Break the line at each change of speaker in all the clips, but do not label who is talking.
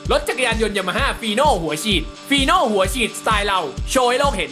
รถจักรยานยนต์ยามาฮ่าฟีโน่หัวฉีดฟีโน่หัวฉีดสไตล์เราโชว์ให้โลกเห็น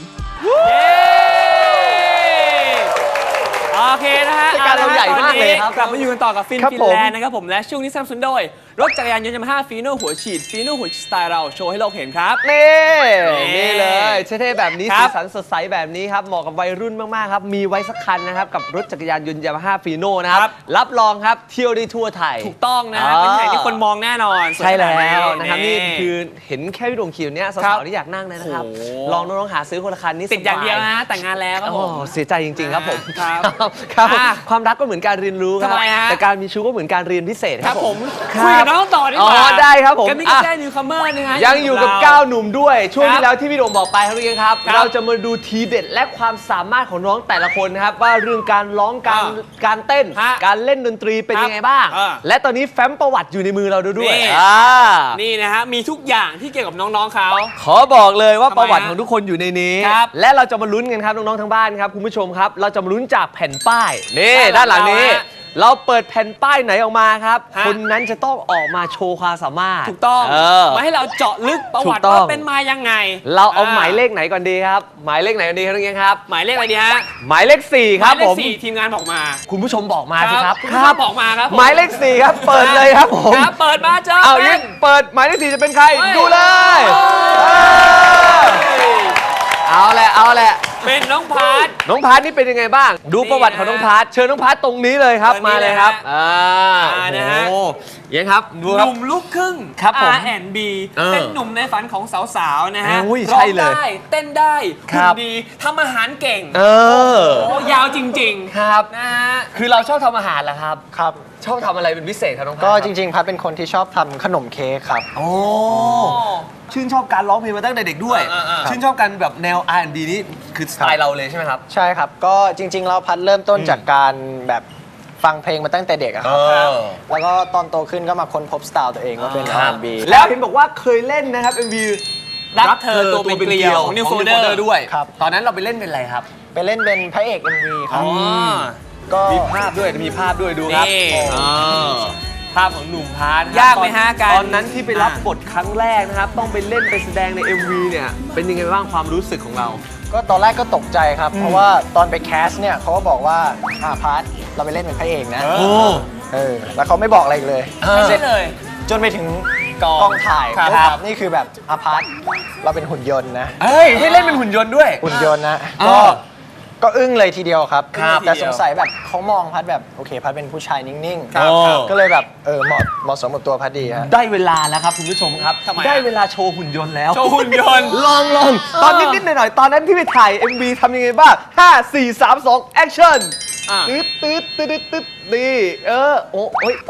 โอเคนะฮะ
การเราใหญ่มากเลยครับ
กลับมาอยู่กันต่อกับฟิน
ครับ
ฟิน
ผม
แลนด์นะครับผมและช่วงนี้สนับสนุนโดยรถจักรยานยนต์ยามาฮ่าฟีโน่หัวฉีดฟีโน่หัวฉีดสไตล์เราโชว์ให้โลกเห็นครับ
นี่เลยเท่ๆแบบนี้
ครั
สี
บ
สันสดใสแบบนี้ครับเหมาะกับวัยรุ่นมากๆครับมีไว้สักคันนะครับกับรถจักรยานยนต์ยามาฮ่าฟีโน่นะครับรับรองครับเที่ยวได้ทั่วไทย
ถูกต้องนะฮะเป็นแห่งที่คนมองแน่นอนสวย
ใช่
ขนา
แล้
ด
วนะครับนี่คือเห็นแค่พี่ดวงคิวเนี่ย
ครั
สาว
บ
ๆที่อยากนั่งเลยนะครับ
โอ้โห
ลองน้องๆหาซื้อคนละคันนี่
ติดอย่างเดียว
สบ
นะแต่งงานแล้วครับ
โอ้
ผม
เสียใจจริงๆครับผม
ครับ
ครับ
อ่ะ
ความรักก็เหมือนการเรียนรู้ครั
ทำไมฮะ
แต่การมีชู้ก็เหมือนการเรียนพิเศษ
ค
ค
รั
รั
บบ ผ
ผม ม
คุยกับน้องต่อดีกว่า
อ๋อได้ครับผม
กันนี่
อ่ะ
แค่นิวคัมเมอร์นะฮะ
ยังอยู่กับ
เรา
9 หนุ่มด้วย ช่วง
ครับ
ที่แล้วที่พี่โดมบอกไปครับพี่เองครับ
ครับ
เราจะมาดูทีเด็ดและความสามารถของน้องแต่ละคนนะครับ ว่าเรื่องการร้องการเต้น
ฮะ
การเล่นดนตรีเป็น
ครับ
ยังไงบ้าง และตอนนี้แฟ้มประวัติอยู่ในมือเราด้วย
นี่ นี่นะฮะมีทุกอย่างที่เกี่ยวกับน้องๆเขา
ขอบอกเลยว่า
ทำไม
ประวัติ
ฮะ
ของทุกคนอยู่ในนี้
ครับ
และเราจะมาลุ้นกันครับน้องๆทั้งบ้านครับคุณผู้ชมครับ เราจะมาลุ้นจากแผ่นป้ายนี่ด้านหลังนี้ เราเปิดแผ่นป้ายไหนออกมาครับ
ฮะ
คนนั้นจะต้องออกมาโชว์ความสามารถ
ถูกต้อง
เออ
มาให้เราเจาะลึกประวัติ
ถูกต้อง
ว่าเป็นมายังไง
เราเอาหมายเลขไหนก่อนดีครับ หมายเลขไหนก่อนดีครับน้องเงี้ยครับ
หมายเลขอะไรดีฮะ
หมายเลข4ครับ
หมายเล
ผ
ข
ม
สี่ทีมงานบอกมา
คุณผู้ชมบอกมาสิครับ
คุณผู้ชมบอกมาครับผม
หมายเลข4ครับ เปิดเลยครับผม
ครับเปิดมาเจอ
เอา
เป็
ยิ่
น
งเปิดหมายเลข4จะเป็นใคร
เฮ้ย
ดูเลย
เฮ้ย
เอาแหละเอาแหละ
เป็นน้องพาร์ท
น้องพาร์ทนี่เป็นยังไงบ้าง ดูประวัติของน้องพาร์ทเชิญน้องพาร์ทตรงนี้เลยครับ
เชิญนี่
มาเลยครับ
เลยฮะนะฮะ
โอ้โหยังครับดู
ห
ครับ
นุ่มลูกครึ่ง
ครับผม
R&B
เออ
เป็นหนุ่มในฝันของสาวๆนะฮะ
อุ้ย
ร้
ใช่
อง
เลย
ได้เต้นได้
ครั
หุ่
บ
นดีทำอาหารเก่ง
เออ
โอ้ยาวจริง
ครับ
ๆนะฮะ
คือเราชอบทำอาหารเหรอครับ
ครับ
ชอบทำอะไรเป็นพิเศษครับน้องพาร์ท
ก็
คบ
จริงๆพัดเป็นคนที่ชอบทำขนมเค้กครับ
โอ้ชื่นชอบการร้องเพลงมาตั้งแต่เด็กด้วย ชื่นชอบกันแบบแนว R&B นี่คือสไตล์เราเลยใช่ไหมครับ
ใช่ครับ ก็จริงๆเราพัดเริ่มต้นจากการแบบฟังเพลงมาตั้งแต่เด็กอะครับ แล้วก็ตอนโตขึ้นก็มาค้นพบสไตล์ตัวเองว่าเป็น R&B
แล้วเห็นบอกว่าเคยเล่นนะครับ MV
รักเธอตัวเป็นเกลียว
New
New
Folder
Folder
ด้วย
ครับ
ตอนนั้นเราไปเล่นเป็นอะไรครับ
ไปเล่นเป็นพระเอก MV ครับ ก็
มีภาพด้วยมีภาพด้วยดูครับ
นี่
ภาพของหนุ่มพาร์ทนะครับ
ยากไหมฮะการ
ตอนนั้นที่ไปรับบทครั้งแรกนะครับ ต้องไปเล่นไปแสดงใน MV เนี่ยเป็นยังไงบ้างความรู้สึกของเรา
ก็ตอนแรกก็ตกใจครับ เพราะว่าตอนไปแคสเนี่ยเขาก็บอกว่าพัดเราไปเล่นเป็นพระเอกนะ
โอ้
แล้วเขาไม่บอกอะไรอีกเลย
ไม่ใช่เลย
จนไปถึง
กอง
กองถ่าย
ครับ
ปุ๊บนี่คือแบบพัดเราเป็นหุ่นยนต์นะ
เฮ้ยให้เล่นเป็นหุ่นยนต์ด้วย
หุ่นยนต์นะ
เอ
ก็
อ
ก็อึ้งเลยทีเดียวครับ
ครับ
แต่สงสัยแบบเขามองพัดแบบโอเคพัดเป็นผู้ชายนิ่ง
ครับ
ก็เลยแบบเหมาะสมกับตัวพัดดีฮะ
ได้เวลาแล้วครับคุณผู้ชมครับ
ทำไมอะ
ได้เวลาโชว์หุ่นยนต์แล้ว
โชว์หุ่นยนต์
ลองตอนนิดๆหน่อยๆตอนนั้นที่ไปถ่าย MV ทำยังไงบ้าง 5 4 3 2 action
อ่ะ
ตึ๊ดนี่โอ้ย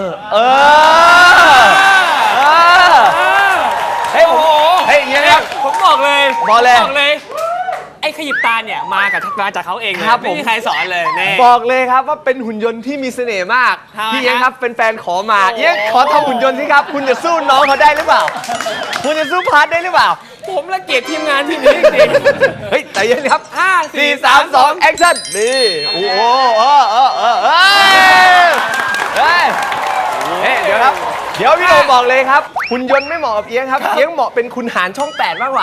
เฮ้ย
โอ้โห
เฮ้ยอย่างเงี้ยครับ
ผมบอกเลย
บอกเลย
ผมไอ้ขยิบตาเนี่ยมาจากเขาเองเลย
ครับผม
ไม่มีใครสอนเลยแน่
บอกเลยครับว่าเป็นหุ่นยนต์ที่มีเสน่ห์มาก
ทำไม
พี่เอียง
ฮะ
ครับเป็นแฟนขอมา
โอ้โห
เอียงขอทำหุ่นยนต์สิครับ คุณจะสู้น้องเขาได้หรือเปล่า คุณจะสู้พาร์ทได้หรือเปล่า
ผมละเกียดทีมงานทีมนี้จริง
เฮ้ยใจเย็นครับ
ห้าสี่
4 3 2 action นี่โอ้โหเฮ้ยเดี๋ยวครับ เดี๋ยวพี่โดมบอกเลยครับหุ่นยนต์ไม่เหมาะกับเอียงครับ เอียงเหมาะเป็นคุณหารช่อง 8 มากกว่า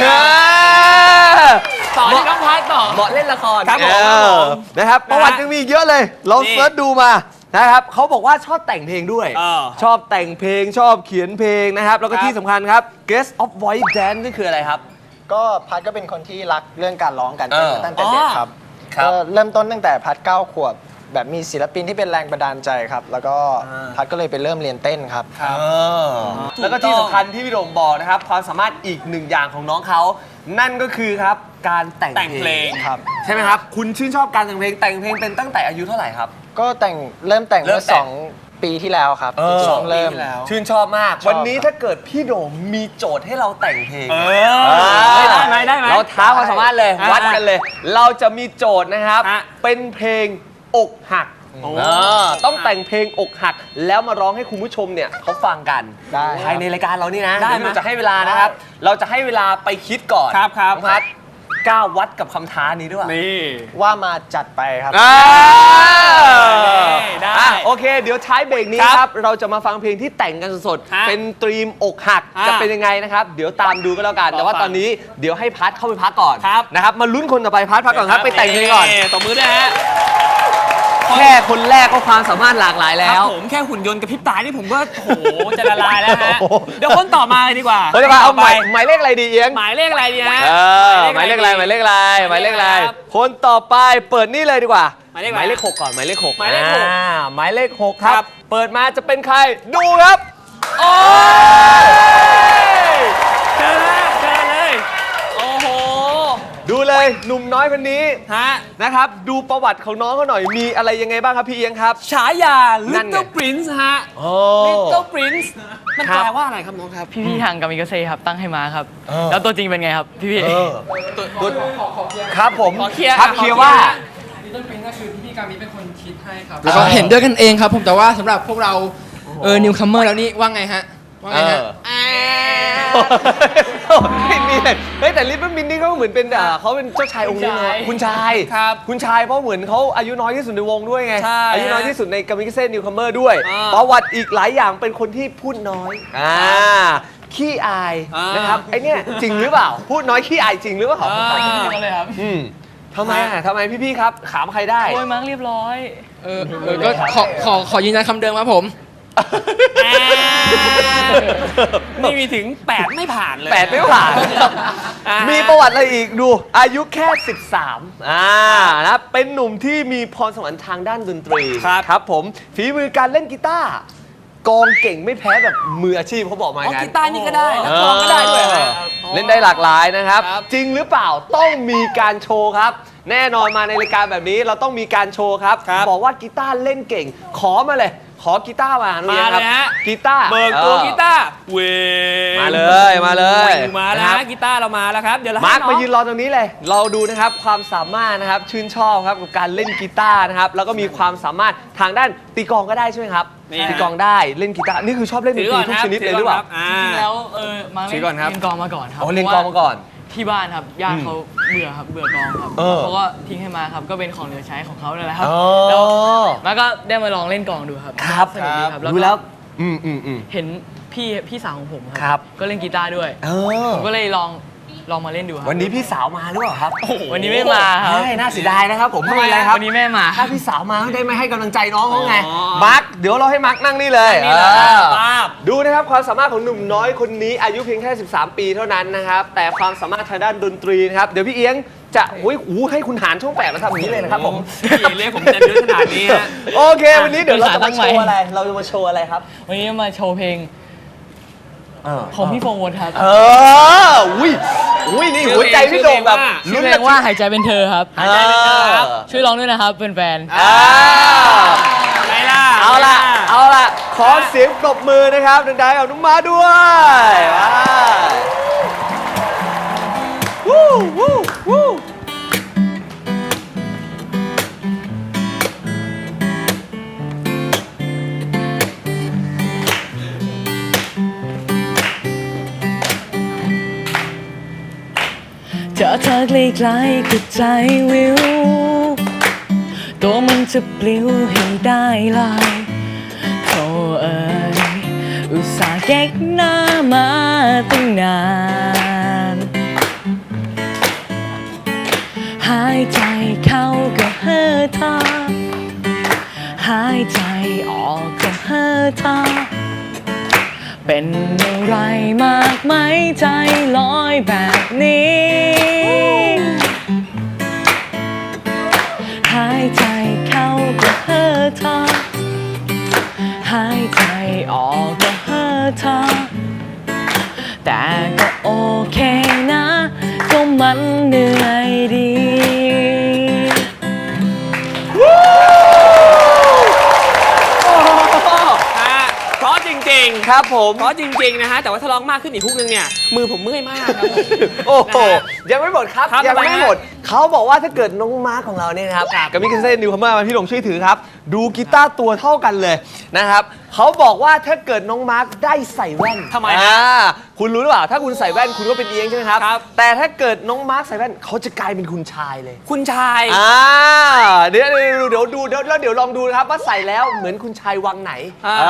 ต่อที่น้องพัดต่อ
เหมาะเล่นละคร
ครับผม
นะครับประวัติยังมีอีกเยอะเลยลอง
นี่
เสิร์ชดูมานะครับเขาบอกว่าชอบแต่งเพลงด้วย
เออ
ชอบแต่งเพลงชอบเขียนเพลงนะครับ แล้วก็
ครับ
ที่สำคัญครับ Guest of Voice Dance นี่คืออะไรครับ
ก็พัดก็เป็นคนที่รักเรื่องการร้องการเต้น
เออ
มาตั้งแต่เด็กครับ
ครับ
ก็เริ่มต้นตั้งแต่พัด9 ขวบ แบบมีศิลปินที่เป็นแรงบันดาลใจครับ แล้วก็พัดก็เลยไปเริ่มเรียนเต้นครับ
แล้วก็ที่สำคัญที่พี่โดมบอกนะครับ ความสามารถอีกหนึ่งอย่างของน้องเขา นั่นก็คือครับการแต่ง
แต่งเพลง
ครับ
ใช่ไหมครับ คุณชื่นชอบการแต่งเพลงเป็นตั้งแต่อายุเท่าไหร่ครับ
ก็เริ่มแต่ง
เริ่
เมื่
ม
อ
แต่ง
2 ปีที่แล้วครับช่วงเริ่ม
ชื่นชอบมาก
ชอบ
วันนี้ถ้าเกิดพี่โดมมีโจทย์ให้เราแต่งเพลง
ได้ไหม
เราท้าความสามารถเลย
อ่า
วัดกันเลย เราจะมีโจทย์นะครับ
อ่ะ
เป็นเพลงอกหัก
โอ้
ต้องแต่งเพลงอกหัก แล้วมาร้องให้คุณผู้ชมเนี่ยเขาฟังกัน
ได้
ภายในรายการเรานี่นะ
ได้
เดี๋ยวเราจะให้เวลานะครับ เราจะให้เวลาไปคิดก่อน
ครับ
น้องพัดกล้าวัดกับคำท้านี้ด้วย
นี่
ว่ามาจัดไปครับ
ได้
โอเค เดี๋ยวท้ายเบรกนี้ครับ เราจะมาฟังเพลงที่แต่งกันสด
ฮะ
ๆ เป็นตรีมอกหัก
ฮะ
จะเป็นยังไงนะครับ เดี๋ยวตามดูก็แล้วกัน แต่ว่า
รอฟัง
ตอนนี้เดี๋ยวให้พัทเข้าไปพักก่อน
ครับ
นะครับ มาลุ้นคนต่อไปพัทพักก่อนครับ ไปแต่งเพลงก่อน
ตบมือด้วยฮะ
แค่คนแรกก็ความสามารถหลากหลายแล้
ครั
ว
บผมแค่หุ่นยนต์กับพริบตานี่ผมก็โอ้โหจะละลายแล้วฮะ
โอ้โห
เดี๋ยวคนต่อมาเลยดีกว่า
เฮ้ยมาเอา
ต่
หมายเลขอะไรดีเอียง
หมายเลขอะไรดีฮะ
หมายเลขอะไรหมายเลขอะไรหมายเลขอะไร
ครับ
คนต่อไปเปิดนี่เลยดีกว่า
หมายเลขอะไร
หมายเลข6ก่อนหมายเลข6
หมายเลขหก
หมายเลข6ค
ครั
รับ
บ
เปิดมาจะเป็นใครดูครับโอ้ย
เจอเลย โอ้โห
ดูเลยหนุ่มน้อยคนนี้
ฮะ
นะครับดูประวัติของน้องเขาหน่อยมีอะไรยังไงบ้างครับพี่เอียงครับ
ฉายา
นั่นไง
Little Prince ฮะ
โอ้
Little Prince มัน
ครับ
แปลว่าอะไรครับน้องครับ
พี่ๆทางกามิกาเซ่ครับตั้งให้มาครับ แล้วตัวจริงเป็นไงครับ พี่
ตัวครับผม
ขอเคลียร์
ครับ
ขอ
เคลียร์
เคลียร์
ว่า
Little Prince ก็คือพี่กามิเป็นคนคิดให้ครับแล้วก็เห็นด้วยกันเองครับผมแต่ว่าสำหรับพวกเรานิวคัมเมอร์แล้วนี่ว่าไงฮะว่าไงฮะ
ไม่มีเลยเฮ้ยแต่ลิตเติ้ลมินนี่เขาเหมือนเป็นเขาเป็นเจ้าชายองค์นี้เลยคุณชาย
ครับ
คุณชายเพราะเหมือนเขาอายุน้อยที่สุดในวงด้วยไง
ใช่
อายุน้อยที่สุดในกามิกาเซ่นิวคัมเมอร์ด้วย
อ่า
ประวัติอีกหลายอย่างเป็นคนที่พูดน้อยขี้อาย
อ่าน
นะครับไอเนี่ยจริงหรือเปล่า พูดน้อยขี้อายจริงหรือเปล่า
ๆก็เลยครับ
ทำไมทำไมพี่ๆครับขามใครได้
โอ้ยมาร์กเรียบร้อย
ก็ขอยืนยันคำเดิมครับผม
นี่มีถึง 8 ไม่ผ่านเลย
แปดไม่ผ่าน
อ่ามี
มีประวัติอะไรอีกดู อายุแค่ 13นะเป็นหนุ่มที่มีพรสวรรค์ทางด้านดนตรี ครับผมฝีมือการเล่นกีตาร์กองเก่งไม่แพ้แบบมืออาชีพเขาบอกมาอย่าง
กี
นั้น
ตาร์นี่ก็ได้นักร้องก็ได้ด้วยฮะ
เล่นได้หลากหลายนะครับ
ครับ
จริงหรือเปล่าต้องมีการโชว์ครับ แน่นอนมาในรายการแบบนี้เราต้องมีการโชว์ครับ บอกว่ากีตาร์เล่นเก่ง ขอมาเลย ขอกีตาร์มาน้อง
มา
เอี๊ยงครับ
เลยฮะ
กีตาร์
เบิกตัวกีตาร์เว
มาเลยมาเลย
มาแล้ว
นะครับ
ฮะกีตาร์เรามาแล้วครับ เดี๋ยวเรา
มาร์ค
ให้น้อง
มายืนรอตรงนี้เลย เราดูนะครับความสามารถนะครับชื่นชอบครับกับการเล่นกีตาร์นะครับแล้วก็มีความสามารถทางด้านตีกลองก็ได้ใช่ไหมครับ
นี่ฮะ
ตีกลองได้เล่นกีตาร์นี่คือชอบเล่นด
ถื
น
อ
ต
ก่
รี
อน
ทุก
ครับ
ชนิดเลยหรือเปล่า
จริงๆแล้วมาร์ก
ชี้ก่อนครับ
เล่นกองมาก่อนครับ
อ๋อเล่นกลองมาก่อน
ที่บ้านครับญาติเขาเบื่อครับเบื่อกองครับ
เออ
เขาก็ทิ้งให้มาครับก็เป็นของเหลือใช้ของเขานั่นแหละครับ
อ๋อ
แล้วมาก็ได้มาลองเล่นกองดูครับ
ครับ
สนุกดีครับ
ดูแล้ว
ก็
อืม
เห็นพี่สาวของผม
ครับ
ก็เล่นกีตาร์ด้วย
เออ
ผมก็เลยลองมาเล่นดูครับ
วันนี้พี่สาวมาหรือเปล่าครับ
วันนี้ไม่มาครับ
ใช่น่าเสียดายนะครับผมไม่เป็นไรครับ
วันนี้แม่มา
ถ้าพี่สาวมาได้ไม่ให้กำลังใจน้องเขาไง
อ๋อ
มาร์คเดี๋ยวเราให้มาร์คนั่งนี่เลย
นี่เลย
เออ
ป้าบ
ดูนะครับความสามารถของหนุ่มน้อยคนนี้อายุเพียงแค่ 13 ปีเท่านั้นนะครับแต่ความสามารถทางด้านดนตรีนะครับเดี๋ยวพี่เอียงจะให้คุณหารช่อง8มาทำอย่างนี้เลยนะครับผม
พี่เรียกผมจะเยอะขนาดนี้ฮะ
โอเค วันนี้เดี๋ยวเราจะมาโชว์อะไร เราจะมาโชว์อะไรครับ
วันนี้มาโชว์เพลงของพี่โฟงวนครับ
อุ้ยนี่หัวใจพี่โด่งแบบ
ชื่อเพลงว่าหายใจเป็นเธอครับ
หายใจเป็นเธอครับ
ช่วยร้องด้วยนะครับเป็นแฟน
ไงล่ะ
เอาล่ะ ขอเสียงปรบมือนะครับดังๆกับน้องมาด้วยวู้วู้
เจอเธอใกล้ๆก็ใจวิว ตัวมันจะปลิวให้ได้ลายโธ่เอ่ยอุตส่าห์แก๊กหน้ามาตั้งนาน หายใจเข้าก็เฮ่อเธอหายใจออกก็เฮ่อเธอเป็นอะไรมากไหมใจลอยแบบนี้ หายใจเข้าก็เฮ่อเธอหายใจออกก็เฮ่อเธอแต่ก็โอเคนะก็มันเหนื่อยดี
เพราะจริงๆ
ครับผม
เพราะจริงๆนะฮะแต่ว่าถ้าร้องมากขึ้นอีกฮุกนึงเนี่ยมือผมเมื่อยมากครับผม
โอ้โหยังไม่หมดครับ
ครับ
ยังไม่หมดเขาบอกว่าถ้าเกิดน้องมาร์คของเราเนี่ยนะครับกับมิกเซ่นิวคัมเมอร์มาพี่หลงช่วยถือครับดูกีตาร์ตัวเท่ากันเลยนะครับเขาบอกว่าถ้าเกิดน้องมาร์คได้ใส่แว่น
ทำไมฮะ
คุณรู้หรือเปล่าถ้าคุณใส่แว่นคุณก็เป็นเอียงใช่ไหมครับแต่ถ้าเกิดน้องมาร์คใส่แว่นเขาจะกลายเป็นคุณชายเลย
คุณชาย
เดี๋ยวดูแล้วเดี๋ยวลองดูนะครับว่าใส่แล้วเหมือนคุณชายวังไหน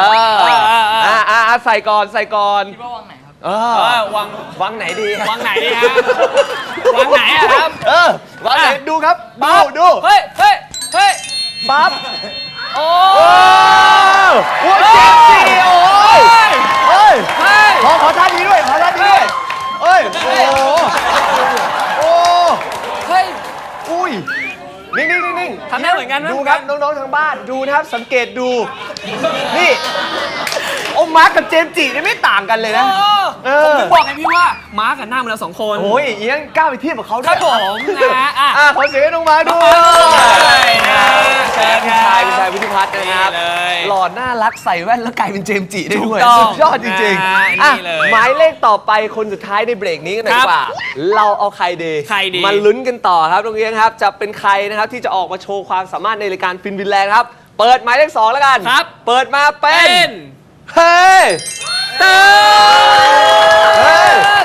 ใส่ก่อน
คิดว่าวังไหนครับ
วังไหนดี
วังไหนดีฮะวังไหนอะครับ
วังไหนดูครับดู
เฮ้ย
ปั๊บ
โอ้
โอ้เจ็บสิโอ้ยขอท่านี้ด้วยโอ้
เฮ้ย
อุ้ยนิ่ง
ทำได้เหมือนกันไหม
ดูครับน้องๆทางบ้านดูนะครับสังเกตดูนี่โอ้มาร์คกับเจมส์จิเนี่ยไม่ต่างกันเลยนะ
ผมถึงบอกไงพี่ว่ามาร์คกับหน้าเหมือนเรา2 คน
โอ้ยเอียงกล้าไปเทียบกับเขาด้วย
ครับผมนะ
ขอเสียงให้น้องมาร์คด้วย
เชิญครับ
คุณชายวิทิพัฒน์นะครับหล่อน่ารักใส่แว่นแล้วกลายเป็นเจมส์จิได้ด้วยสุดยอดจริงๆหมายเลขต่อไปคนสุดท้ายในเบรกนี้กันหน่อยดีกว่าเราเอาใครดีมาลุ้นกันต่อครับน้องเอียงครับจะเป็นใครนะครับที่จะออกมาโชว์ความสามารถในรายการฟินวินแลนด์ครับเปิดหมายเลข2แล้วกันเปิดมาเป็นเฮ้ย
เติร์ด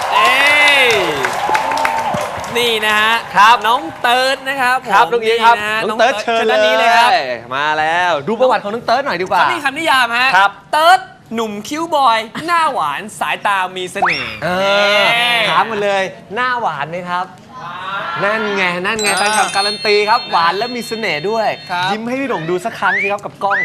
นี่นะฮะน้องเติร์ดนะครับ
น้องเอียงครับน้องเติร์ดเชิญ
ด้านนี้เลยครับ
มาแล้วดูประวัติของน้องเติร์ดหน่อยดีกว่า
เขามีคำนิยามฮะเติร์ดหนุ่มคิ้วบอยหน้าหวานสายตามีเสน่ห์
ถามมาเลยหน้าหวานไหมครับนั่นไงแฟนคลับการันตีครับหวานและมีเสน่ห์ด้วยยิ้มให้พี่หลงดูสักครั้งสิครับกับกล้อง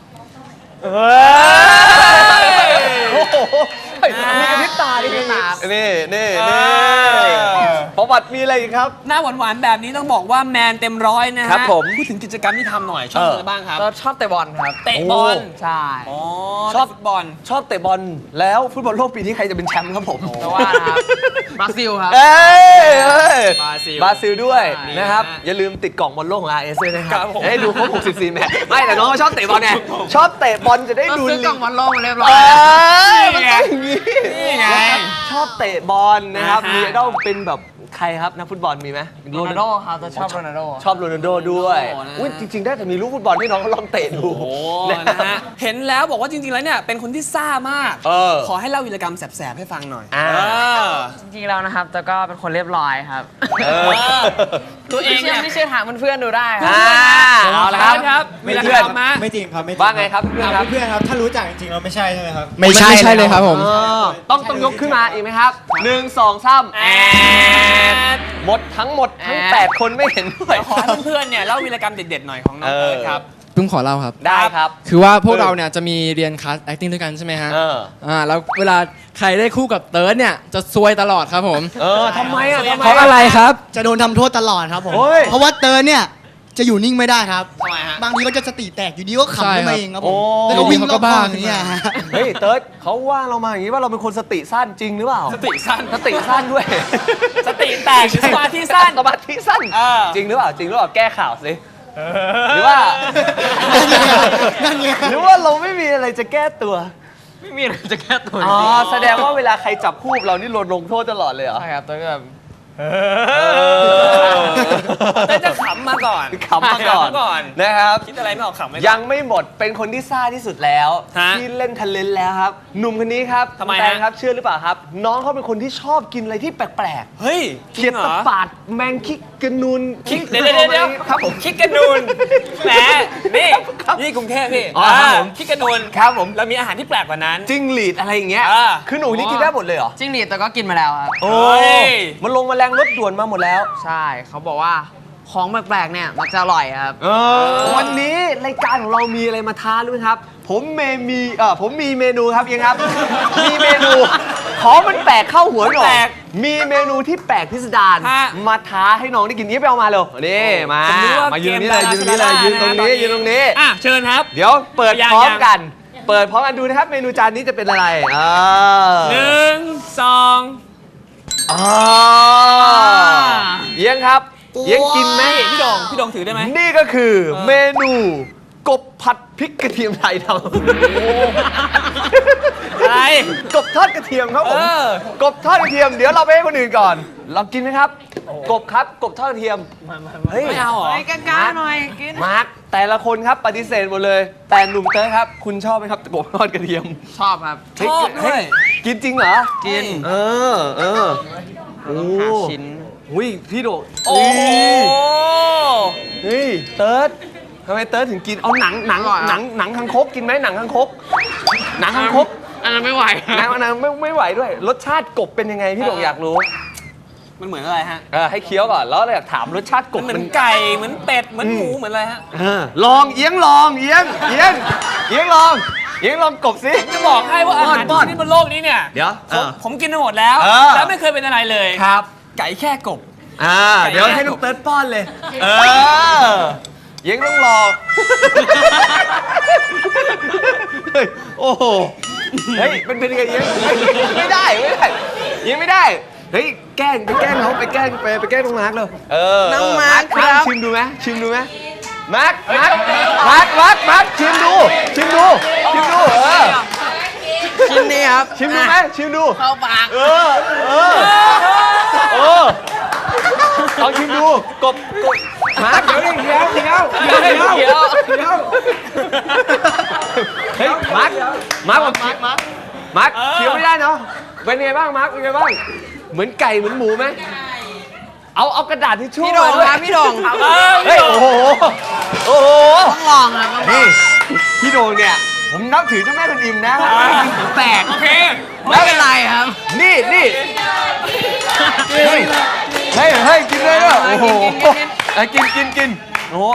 มีกระพริบตาดินี่ประวัติมีอะไรอีกครับ
หน้าหวานๆแบบนี้ต้องบอกว่าแมนเต็มร้อยนะฮะพูดถึงกิจกรรมที่ทำหน่อยชอบอะไรบ้างครับ
ชอบเตะบอลครับ
เตะบอล
ใช่
ชอบฟุตบอล
ชอบเตะบอลแล้วฟุตบอลโลกปีนี้ใครจะเป็นแชมป์ครับผม
แต่ว่าบราซิลครับ
บราซิลด้วยนะครับอย่าลืมติดกล่องบอลโลกของ RS ด้วยนะครับให้ดูครบ64แมตช์ไม่แต่น้องชอบเตะบอลไงชอบเตะบอลจะได้ดู
ซื้อกล่องบอลโลกมาเรียบร้อย
นี่ไงชอบเตะบอลนะครับมีต้องเป็นแบบใครครับนักฟุตบอลมีไหม
โรนัลโดครับแต่ชอบโรนัลโด
ชอบโรนัลโดด้วยจริงๆได้แต่มีลูกฟุตบอลที่น้องเขาลองเตะดู
นะฮะเห็นแล้วบอกว่าจริงๆแล้วเนี่ยเป็นคนที่ซ่ามากขอให้เล่าวีรกรรมแสบๆให้ฟังหน่อย
จริงๆแล้วนะครับแต่ก็เป็นคนเรียบร้อยครับ
ตัวเองเนี่ย
ไม่เชื่อถามเพื่อนๆดูได้ครับ
เอาละครับ
วีรกรรมมา
ไม่จริงครับ
ว่าไงครับ
เพื่อนครับถ้ารู้จักจริงๆเราไม่ใช่ใช่ไหมครับ
ไม่ใช่เลยครับผม
ต้องยกขึ้นมาอีกไหมครับ1 2 3หมดทั้ง8คนไม่เห็นด้วย
ขอให้เพื่อนๆเนี่ยเล่าวีรกรรมเด็ดๆหน่อยของน้องเอิร์ธครับ
ตุ้มขอเล่าครับ
ได้ครับ
คือว่าพวกเราเนี่ยจะมีเรียนคลาส acting ด้วยกันใช่ไหมฮะแล้วเวลาใครได้คู่กับเติร์ดเนี่ยจะซวยตลอดครับผม
ทำไมอ่ะ
เพราะอะไรครับ
จะโดนทำโทษตลอดครับผมเพราะว่าเติร์ดเนี่ยจะอยู่นิ่งไม่ได้ครับบางทีก็จะสติแตกอยู่ดีก็ขำขึ้นมาเองครับผมแล้วก็วิ่งรอบบ้านอย่างเงี้ย
เฮ้ยเติร์ดเขาว่าเรามาอย่างนี้ว่าเราเป็นคนสติสั้นจริงหรือเปล่า
สติสั้นด้วยสติแตกสมาธิสั้น
จริงหรือเปล่าแก้ข่าวสิหรือว่าหรือว่าเราไม่มีอะไรจะแก้ตัว
ไม่มีอะไรจะแก้ตัว
แสดงว่าเวลาใครจับคู่เรานี่ลงโทษตลอดเลยเหรอ
ใช่ครับตัวแบบ
แต่จะขำมาก่อน
นะครับ
คิดอะไรไม่ออกขำไม่
ยังไม่หมดเป็นคนที่ซ่าที่สุดแล้วที่เล่นทันเลนแล้วครับหนุ่มคนนี้ครับ
ทำไม
ครับเชื่อหรือเปล่าครับน้องเขาเป็นคนที่ชอบกินอะไรที่แปลก
ๆเฮ้ย
เขียดตะปาดแมงคิกกระนูน
เดี๋ยวครับผมคิกกระนูนแหมนี่กรุงเทพพี่คิกกระนูน
ครับผม
แล้วมีอาหารที่แปลกกว่านั้น
จิ้งหรีดอะไรอย่างเงี้ยคือหนูนี่กินได้หมดเลยเหรอ
จิ้งหรีดแต่ก็กินมาแล้วครับ
โอ้ยมันลงมาแรงรถด่วนมาหมดแล้ว
ใช่เขาบอกว่าของแปลกๆเนี่ยมันจะอร่อยครับ
วันนี้รายการของเรามีอะไรมาท้ารู้ไหมครับผมมีเมนูครับยังครับมีเมนูของมันแปลกเข้าหัวหน่อยมีเมนูที่แปลกพิสดารมาท้าให้น้องได้กินนี้ไปเอามาเร็วนี่มายืนนี่เลยยืนตรงนี้
เชิญครับ
เดี๋ยวเปิดพร้อมกันดูนะครับเมนูจานนี้จะเป็นอะไร
1 2
เยี่ยงครับเยี่ยงกินไหม
พี่ดองถือได้ไหม
นี่ก็คือเมนูกบผัดพริกกระเทียมไทยทำ
อะไร
กบทอดกระเทียมครับผมกบทอดกระเทียมเดี๋ยวเราไปให้คนอื่นก่อนลองกินไหมครับ กบครับ กบทอดกระเทียมเฮ้ย
ไม่เอาเหรอ
กล้าๆหน่อยกิน
มาร์คแต่ละคนครับปฏิเสธหมดเลย แต่หนุ่มเต้ยครับ คุณชอบไหมครับกบทอดกระเทียม
ชอบครับ
ชอบด้วย
กินจริงเหรอ
กิน
เออโอ้ชิ้นอุ้ยพี่โด
โอ้โห
เฮ้ยเติร์ดทำไมเติร์ดถึงกินเอาหนังคังคกกินไหมหนังคังคกหนังคังคก
อันนั้นไม่ไหว
หนังไม่ไหวด้วย รสชาติกบเป็นยังไงพี่โดอยากรู้
มันเหมือนอะไรฮะ
ให้เคี้ยวก่อนแล้วเราอยากถามรสชาติกบ
เหมือนไก่เหมือนเป็ดเหมือนหมูเหมือนอะไรฮะ
ลองเอียงลองเอียงลองกบสิ
จะบอกให้ว่าอาหาร
ป้อน
ที่บนโลกนี้เนี่ย
เดี๋ยว
ผมกินมาหมดแล้ว แล้วไม่เคยเป็นอะไรเลย
ครับ
ไก่แค่กบ
เดี๋ยวให้น้องเติร์ดป้อนเลยเอียงต้องรอเฮ้ยโอ้โหเฮ้ยเป็นยังไงเอียงไม่ได้เอียงไม่ได้เฮ้ยแกล้งเขาไปแกล้งน้องมาร์คเลยน้องมาร์คครับชิมดูไหมมาร์คชิมดูชิมนี่ครับชิมดูไหมชิมดูเข้าปากลองชิมดูกบมาร์คเดี๋ยวเฮ้ยมาร์คเคี้ยวไม่ได้เนาะเป็นไงบ้างมาร์คเป็นไงบ้างเหมือนไก่เหมือนหมูไหมเอากระดาษทิชชู่พี่โด่งครับพี่โด่งเฮ้ยโอ้โหต้องลองครับนี่พี่โด่งเนี่ยผมนับถือเจ้าแม่กวนอิมนะแปลกโอเคไม่เป็นไรครับนี่เฮ้ยกินเลยด้วยโอ้โหกินโอ้โห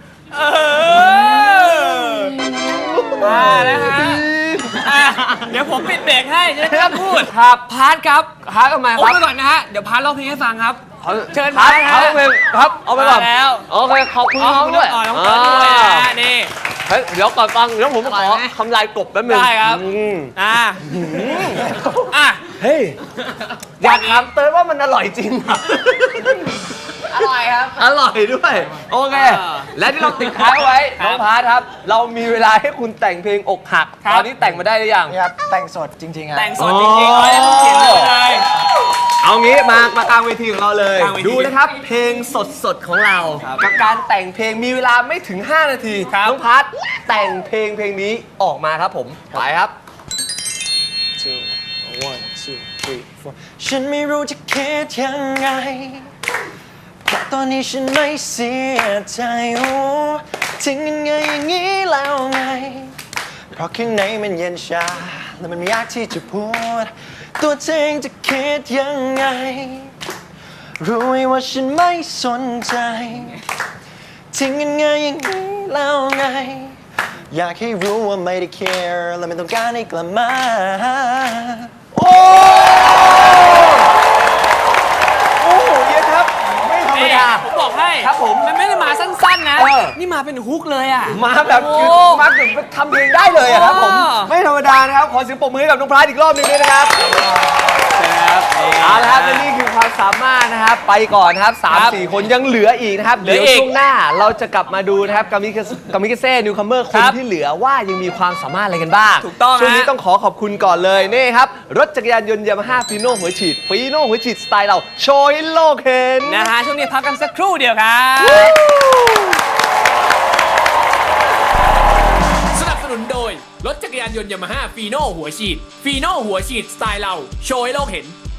มาแล้วฮะเดี๋ยวผมปิดเบรกให้จะได้ไม่ต้องพูด
ครับ
พาร์ทครับ
ทำไมค
โอ้
รับ
ไปก่อนนะฮะ เดี๋ยวพาร์ทร้องเพลงให้ฟังครับ เชิญ
พาร์ท
ครับ
ครับเอาไปก่อน
มาแล้ว
โอเคขอบคุณน้องด้วย
น้องเติร์ดด้วยนะฮะนี่
เฮ้ยเดี๋ยวก่อนฟังเดี๋ยวผมขอคำลายกบแป๊บนึง
ได้ครับ
เฮ้ยอยากถามเติร์ดว่ามันอร่อยจริงอ่ะ
อร่อยครับ
อร่อยด้วยโอเคและที่เราติดท้ายไว้น้องพาร์ทครับ เรามีเวลาให้คุณแต่งเพลงอกหักตอนนี้แต่งมาได้หรือยัง
นี่ครับแต่งสดจริงๆครับ
แต่งสดจริงๆเลยต้องเขียนเลย
เอางี้มากลางเวทีของเราเลย
กลางเวที
ดูนะครับ เพลงสดของเรา กับการแต่งเพลงมีเวลาไม่ถึง 5 นาทีน้องพัทแต่งเพลงนี้ออกมาครับผมไปครับ
ฉันไม่รู้จะคิดยังไงแต่ตอนนี้ฉันไม่เสียใจโอ้ทิ้งยังไงอย่างนี้แล้วไงเพราะข้างในมันเย็นชาและมันไม่ยากที่จะพูดตัวเองจะคิดยังไงรู้ไหมว่าฉันไม่สนใจทิ้งยังไงอย่างนี้แล้วไงอยากให้รู้ว่าไม่ได้ care และไม่ต้องการให้กลับมา
โอ้โหเยอะครับไม่ธรรมดา
ผมบอกให้
ครับผม
มันไม่ได้มาสั้นๆนะ นี่มาเป็นฮุกเลยอ่ะ
มาแบบคือมาถึงทำเพลงได้เลยอะครับผมไม่ธรรมดานะครับขอเสียงปรบมือให้กับน้องพลาดอีกรอบหนึงด้วยนะครับเอาละครับและนี่คือความสามารถนะครับไปก่อนนะครับ3-4 คนยังเหลืออีกนะครับเดี๋ยวช่วงหน้าเราจะกลับมาดูนะครับกามิกาเซ่นิวคัมเมอร์คนที่เหลือว่ายังมีความสามารถอะไรกันบ้าง
ถูกต้อง
ช่วงนี้ต้องขอบคุณก่อนเลยนี่ครับรถจักรยานยนต์ยามาฮ่าฟีโน่หัวฉีดสไตล์เราโชว์ให้โลกเห็น
นะฮะช่วงนี้พักกันสักครู่เดียวครับ
สนับสนุนโดยรถจักรยานยนต์ยามาฮ่าฟีโน่หัวฉีดสไตล์เราโชว์ให้โลกเห็น